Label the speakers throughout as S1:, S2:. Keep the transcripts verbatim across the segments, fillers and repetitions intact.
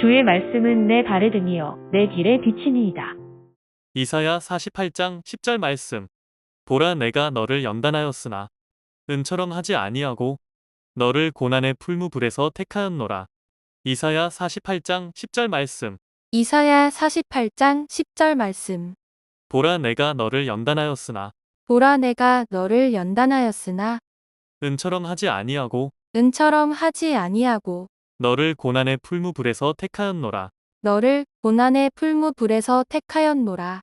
S1: 주의 말씀은 내 발에 등이요 내 길에 비치니이다.
S2: 이사야 사십팔 장 십 절 말씀. 보라 내가 너를 연단하였으나 은처럼 하지 아니하고 너를 고난의 풀무불에서 택하였노라. 이사야 사십팔 장 십 절 말씀.
S3: 이사야 사십팔 장 십 절 말씀.
S2: 보라 내가 너를 연단하였으나
S3: 보라 내가 너를 연단하였으나
S2: 은처럼 하지 아니하고
S3: 은처럼 하지 아니하고
S2: 너를 고난의 풀무불에서 택하였노라.
S3: 너를 고난의 풀무불에서 택하였노라.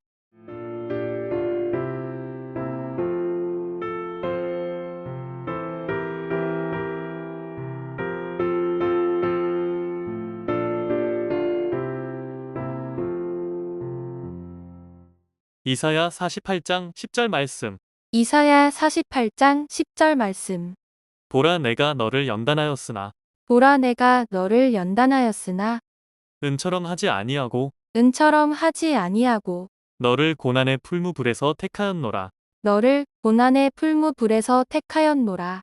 S2: 이사야 사십팔 장 십 절 말씀.
S3: 이사야 사십팔 장 십 절 말씀.
S2: 보라 내가 너를 연단하였으나
S3: 보라 내가 너를 연단하였으나
S2: 은처럼 하지 아니하고
S3: 은처럼 하지 아니하고
S2: 너를 고난의 풀무불에서 택하였노라.
S3: 너를 고난의 풀무불에서 택하였노라.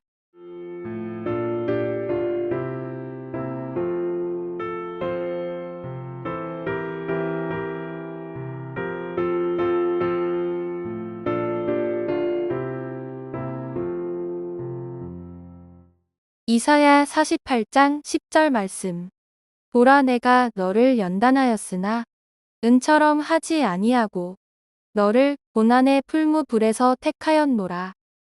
S3: 이사야 사십팔 장 십 절 말씀. 보라 내가 너를 연단하였으나 은처럼 하지 아니하고 너를 고난의 풀무불에서 택하였노라.